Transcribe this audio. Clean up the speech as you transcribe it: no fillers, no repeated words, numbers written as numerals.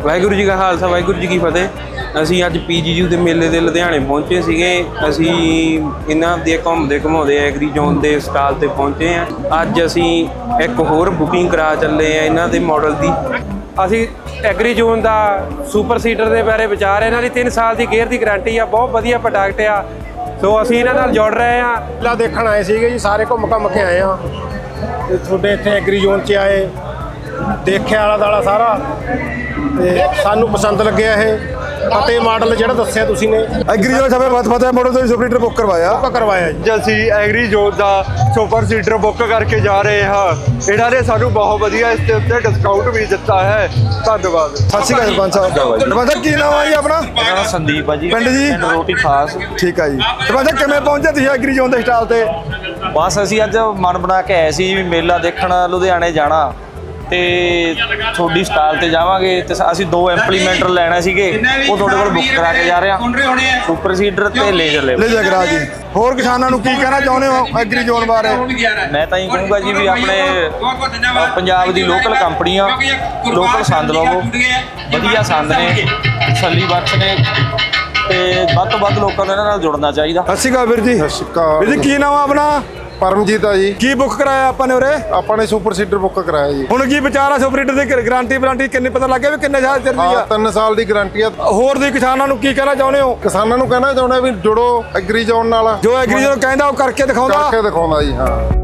ਵਾਹਿਗੁਰੂ ਜੀ ਕਾ ਖਾਲਸਾ ਵਾਹਿਗੁਰੂ ਜੀ ਕੀ ਫਤਿਹ। ਅਸੀਂ ਅੱਜ PGU ਦੇ ਮੇਲੇ ਦੇ ਲੁਧਿਆਣੇ ਪਹੁੰਚੇ ਸੀਗੇ। ਅਸੀਂ ਇਹਨਾਂ ਦੇ ਘੁੰਮਦੇ ਘੁਮਾਉਂਦੇ ਐਗਰੀ ਜ਼ੋਨ ਦੇ ਸਟਾਲ ਤੇ ਪਹੁੰਚੇ ਆ। ਅੱਜ ਅਸੀਂ ਇੱਕ ਹੋਰ ਬੁਕਿੰਗ ਕਰਾ ਚੱਲੇ ਆ ਇਹਨਾਂ ਦੇ ਮਾਡਲ ਦੀ। ਅਸੀਂ ਐਗਰੀ ਜ਼ੋਨ ਦਾ ਸੁਪਰ ਸੀਡਰ ਦੇ ਬਾਰੇ ਵਿਚਾਰ ਇਹਨਾਂ ਦੀ 3 ਸਾਲ ਦੀ ਗੇਅਰ ਦੀ ਗਾਰੰਟੀ ਆ। ਬਹੁਤ ਵਧੀਆ ਪ੍ਰੋਡਕਟ ਆ। ਸੋ ਅਸੀਂ ਇਹਨਾਂ ਨਾਲ ਜੁੜ ਰਹੇ ਆ। ਮੇਲਾ ਦੇਖਣ ਆਏ ਸੀਗੇ ਜੀ, ਸਾਰੇ ਘੁੰਮ ਕੇ ਆਏ ਆ। ਤੇ ਤੁਹਾਡੇ ਇੱਥੇ ਐਗਰੀ ਜ਼ੋਨ 'ਚ ਆਏ, ਦੇਖਿਆ ਆਲਾ ਦਾਲਾ ਸਾਰਾ ਤੇ ਸਾਨੂੰ ਪਸੰਦ ਲੱਗਿਆ ਇਹ ਅਤੇ ਮਾਡਲ ਜਿਹੜਾ ਦੱਸਿਆ ਤੁਸੀਂ ਨੇ। ਐਗਰੀ ਜ਼ੋਨ ਸਭੇ ਬਹੁਤ ਪਤਾ ਮਾਡਲ ਤੋਂ ਸੁਪਰ ਸੀਡਰ ਬੁੱਕ ਕਰਵਾਇਆ ਜੀ। ਅਸੀਂ ਐਗਰੀ ਜ਼ੋਨ ਦਾ ਸੁਪਰ ਸੀਡਰ ਬੁੱਕ ਕਰਕੇ ਜਾ ਰਹੇ ਹਾਂ। ਇਹਨਾਂ ਨੇ ਸਾਨੂੰ ਬਹੁਤ ਵਧੀਆ ਇਸ ਦੇ ਉੱਤੇ ਡਿਸਕਾਊਂਟ ਵੀ ਦਿੱਤਾ ਹੈ। ਧੰਨਵਾਦ। ਸਤਿ ਸ਼੍ਰੀ ਅਕਾਲ ਸਰਪੰਚ ਸਾਹਿਬ। ਸਰਪੰਚ ਸਾਹਿਬ ਕੀ ਨਾਮ ਆ ਜੀ ਆਪਣਾ? ਮੇਰਾ ਨਾਮ ਸੰਦੀਪ ਆ ਜੀ। ਪਿੰਡ ਜੀ? ਰੋਟੀ ਖਾਸ। ਠੀਕ ਆ ਜੀ। ਸਰਪੰਚ ਸਾਹਿਬ ਕਿਵੇਂ ਪਹੁੰਚੇ ਤੁਸੀਂ ਐਗਰੀ ਜ਼ੋਨ ਦੇ ਸਟਾਲ ਤੇ? ਬਸ ਅਸੀਂ ਅੱਜ ਮਨ ਬਣਾ ਕੇ ਆਏ ਸੀ ਵੀ ਮੇਲਾ ਦੇਖਣ ਲੁਧਿਆਣੇ ਜਾਣਾ ਤੇ ਤੁਹਾਡੀ ਸਟਾਲ ਤੇ ਜਾਵਾਂਗੇ ਤੇ ਅਸੀਂ 2 ਇੰਪਲੀਮੈਂਟਰ ਲੈਣਾ ਸੀਗੇ, ਉਹ ਤੁਹਾਡੇ ਕੋਲ ਬੁੱਕ ਕਰਾ ਕੇ ਜਾ ਰਹੇ ਹਾਂ। ਸੁਪਰ ਸੀਡਰ ਤੇ ਲੇਜ਼ਰ ਕਰਾ ਜੀ। ਹੋਰ ਕਿਸਾਨਾਂ ਨੂੰ ਕੀ ਕਹਿਣਾ ਚਾਹੁੰਦੇ ਹੋ ਐਗਰੀ ਜ਼ੋਨ ਬਾਰੇ? ਮੈਂ ਤਾਂ ਇਹ ਕਹੂੰਗਾ ਜੀ ਵੀ ਆਪਣੇ ਪੰਜਾਬ ਦੀ ਲੋਕਲ ਕੰਪਨੀ ਆ, ਲੋਕਲ ਸੰਦ ਲਵੋ। ਵਧੀਆ ਸੰਦ ਨੇ, ਤਸੱਲੀ ਬਖਸ਼ ਨੇ ਤੇ ਵੱਧ ਤੋਂ ਵੱਧ ਲੋਕਾਂ ਨੂੰ ਇਹਨਾਂ ਨਾਲ ਜੁੜਨਾ ਚਾਹੀਦਾ। ਸਤਿ ਸ਼੍ਰੀ ਅਕਾਲ ਵੀਰ ਜੀ। ਸਤਿ ਸ਼੍ਰੀ ਅਕਾਲ ਵੀਰ ਜੀ ਕੀ ਨਾਮ ਆ ਆਪਣਾ? ਪਰਮਜੀਤ ਆ ਜੀ। ਕੀ ਬੁੱਕ ਕਰਾਇਆ ਆਪਾਂ ਨੇ ਉਰੇ? ਆਪਾਂ ਨੇ ਸੁਪਰ ਸੀਡਰ ਬੁੱਕ ਕਰਾਇਆ ਜੀ। ਹੁਣ ਕੀ ਵਿਚਾਰ ਆ ਸੁਪਰ ਸੀਡਰ ਦੀ ਗਾਰੰਟੀ ਕਿੰਨੇ ਪਤਾ ਲੱਗ ਗਿਆ ਵੀ ਕਿੰਨੇ ਸਾਲ ਚੱਲਦੀ ਆ? 3 ਸਾਲ ਦੀ ਗਾਰੰਟੀ ਆ। ਹੋਰ ਦੀ ਕਿਸਾਨਾਂ ਨੂੰ ਕੀ ਕਹਿਣਾ ਚਾਹੁੰਦੇ ਹੋ? ਕਿਸਾਨਾਂ ਨੂੰ ਕਹਿਣਾ ਚਾਹੁੰਦਾ ਵੀ ਜੁੜੋ ਐਗਰੀ ਜ਼ੋਨ ਨਾਲ। ਜੋ ਐਗਰੀ ਜ਼ੋਨ ਕਹਿੰਦਾ ਉਹ ਕਰਕੇ ਦਿਖਾਉਂਦਾ ਜੀ। ਹਾਂ।